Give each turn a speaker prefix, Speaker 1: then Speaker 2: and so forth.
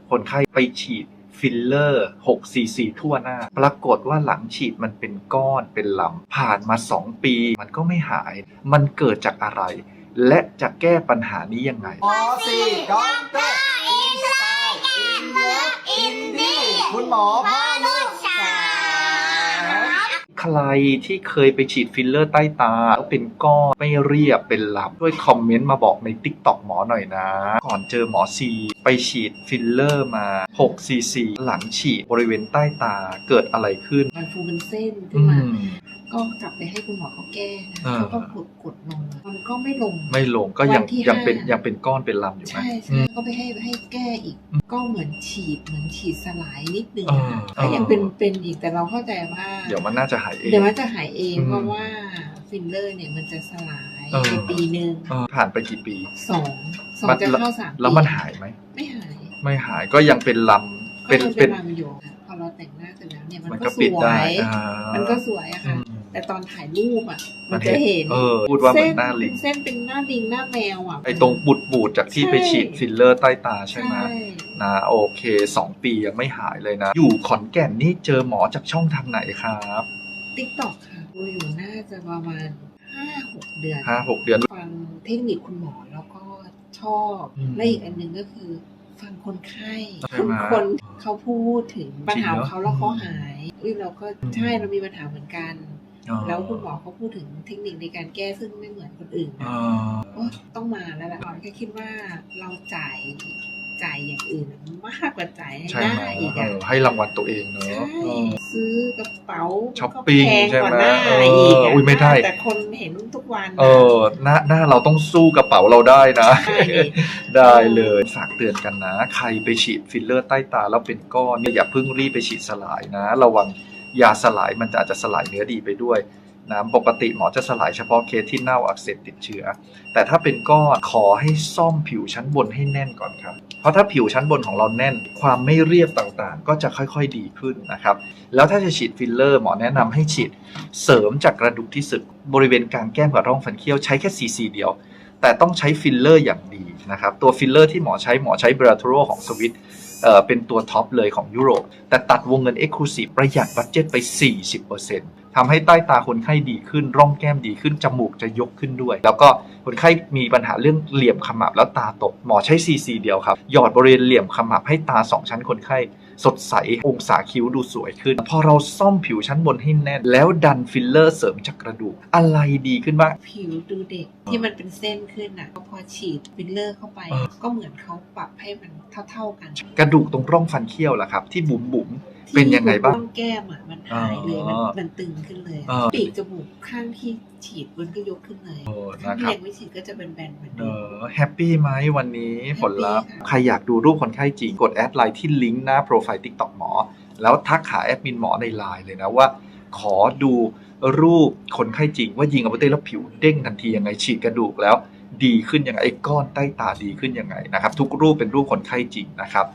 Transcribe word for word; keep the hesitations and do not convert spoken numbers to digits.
Speaker 1: คนไข้ไปฉีดฟิลเลอร์หกซีซีทั่วหน้าปรากฏว่าหลังฉีดมันเป็นก้อนเป็นลำผ่านมาสองปีมันก็ไม่หายมันเกิดจากอะไรและจะแก้ปัญหานี้ยังไง
Speaker 2: หมอสี่ด็อกเตอร์อินไซด์อินเลิฟอินดี้คุณหมอพ่อลูกสาว
Speaker 1: ใครที่เคยไปฉีดฟิลเลอร์ใต้ตาแล้วเป็นก้อนไม่เรียบเป็นลำช่วยคอมเมนต์มาบอกใน ติ๊กต็อก หมอหน่อยนะก่อนเจอหมอซีไปฉีดฟิลเลอร์มาหกซีซีหลังฉีดบริเวณใต้ตาเกิดอะไรขึ้น
Speaker 3: มันฟูเป็นเส้นขึ้นมาก็กลับไปให้คุณหมอเขาแก้นะเขาก็กดกดลงมันก็ไม่ลง
Speaker 1: ไม่ลงก็ยังยังเป็นยังเป็นก้อนเป็นลำอยู่ไหม
Speaker 3: ใช่ใช่ก็ไปให้ให้แก้อีกก็เหมือนฉีดเหมือนฉีดสลายนิดนึงก็ยังเป็นเป็นอีกแต่เราเข้าใจว่า
Speaker 1: เดี๋ยวมันน่าจะหายเอง
Speaker 3: เดี๋ยวมันจะหายเองเพราะว่าฟิลเลอร์เนี่ยมันจะสลายในปีนึง
Speaker 1: ผ่านไปกี่ปี
Speaker 3: สองสองจะเข้าสามปี
Speaker 1: แล้วมันหายไหม
Speaker 3: ไม่หาย
Speaker 1: ไม่หายก็ยังเป็นลำ
Speaker 3: เป็นเป็นลำอยู่พอเราแต่งหน้าเสร็จแล้วเนี่ยมันก็สวยมันก็สวยอะค่ะแต่ตอนถ่ายรูปอ่ะมันจะเห็น
Speaker 1: พูดว่าเหมือนหน้าลิง
Speaker 3: เส้นเป็นหน้าลิงหน้าแมวอ่ะ
Speaker 1: ไอตรงบูดบูดจากที่ไปฉีดฟิลเลอร์ใต้ตาใช่ไหมนะโอเคสองปียังไม่หายเลยนะอยู่ขอนแก่นนี่เจอหมอจากช่องทางไหนครับ
Speaker 3: ติ๊กต็อก ค่ะดูอยู่น่าจะประมาณห้าหกเดือน
Speaker 1: ห้าหกเดือน
Speaker 3: ฟังเทคนิคคุณหมอแล้วก็ชอบและอีกอันหนึ่งก็คือฟังคนไข้คนคนเขาพูดถึงปัญหาของเขาแล้วเขาหายเราก็ใช่เรามีปัญหาเหมือนกันแล้วคุณหมอเขาพูดถึงเทคนิคในการแก้ซึ่งไม่เหมือนคนอื่นนะต้องมาแล้วแหละแค่คิดว่าเราจ่ายจ่ายอย่างอื่นมากกว่าจ่ายให้หน้าอีกอะ
Speaker 1: ให้รางวัลตัวเองเนอะ
Speaker 3: ซื้อกระเป๋า
Speaker 1: ช้อปปิ้งใช่ไหม
Speaker 3: อีก
Speaker 1: อุ้ยไม่ได้
Speaker 3: แต่คนเห็นทุกวัน
Speaker 1: เออหน้าหน้าเราต้องสู้กระเป๋าเราได้นะได้เลยฝากเตือนกันนะใครไปฉีดฟิลเลอร์ใต้ตาแล้วเป็นก้อนเนี่ยอย่าเพิ่งรีบไปฉีดสลายนะระวังยาสลายมันจะอาจจะสลายเนื้อดีไปด้วยนะปกติหมอจะสลายเฉพาะเคสที่เน่าอักเสบติดเชื้อแต่ถ้าเป็นก้อนขอให้ซ่อมผิวชั้นบนให้แน่นก่อนครับเพราะถ้าผิวชั้นบนของเราแน่นความไม่เรียบต่างๆก็จะค่อยๆดีขึ้นนะครับแล้วถ้าจะฉีดฟิลเลอร์หมอแนะนำให้ฉีดเสริมจากกระดูกที่สึกบริเวณกลางแก้มกับร่องฟันเคี้ยวใช้แค่ซีซีเดียวแต่ต้องใช้ฟิลเลอร์อย่างดีนะครับตัวฟิลเลอร์ที่หมอใช้หมอใช้เบราโทโรของสวิตเอ่อเป็นตัวท็อปเลยของยุโรปแต่ตัดวงเงิน Exclusive ประหยัดบัดเจ็ตไป สี่สิบเปอร์เซ็นต์ ทำให้ใต้ตาคนไข้ดีขึ้นร่องแก้มดีขึ้นจมูกจะยกขึ้นด้วยแล้วก็คนไข้มีปัญหาเรื่องเหลี่ยมขมับแล้วตาตกหมอใช้ ซี ซี เดียวครับหยอดบริเวณเหลี่ยมขมับให้ตาสองชั้นคนไข้สดใสองศาคิ้วดูสวยขึ้นพอเราซ่อมผิวชั้นบนให้แน่นแล้วดันฟิลเลอร์เสริมจากกระดูกอะไรดีขึ้นบ้าง
Speaker 3: ผิวดูเด็กที่มันเป็นเส้นขึ้นอ่ะพอฉีดฟิลเลอร์เข้าไปก็เหมือนเขาปรับให้มันเท่าๆกัน
Speaker 1: กระดูกตรงร่องฟันเคี้ยวล่ะครับที่บุ๋มบุ๋มเป็นยังไงบ้าง
Speaker 3: ร่องแก้มอ่ะมันหายเลยมันมันตึงขึ้นเลยปีกจมูกข้างที่ฉีดมันก็ยกขึ้นเลยข้างที่ยังไม่ฉีดก็จะเป็นแบนเหมือนเดิม
Speaker 1: แฮปปี้ไหมวันนี้ผลลัพธ์ใครอยากดูรูปคนไข้จริงกดแอดไลน์ที่ลิงก์หน้าโปรไฟล์ ติ๊กต็อก หมอแล้วทักหาแอดมินหมอในไลน์เลยนะว่าขอดูรูปคนไข้จริงว่ายิงเอาไปเต้แล้วผิวเด้งทันทียังไงฉีดกระดูกแล้วดีขึ้นยังไงไอ้ก้อนใต้ตาดีขึ้นยังไงนะครับทุกรูปเป็นรูปคนไข้จริงนะครับ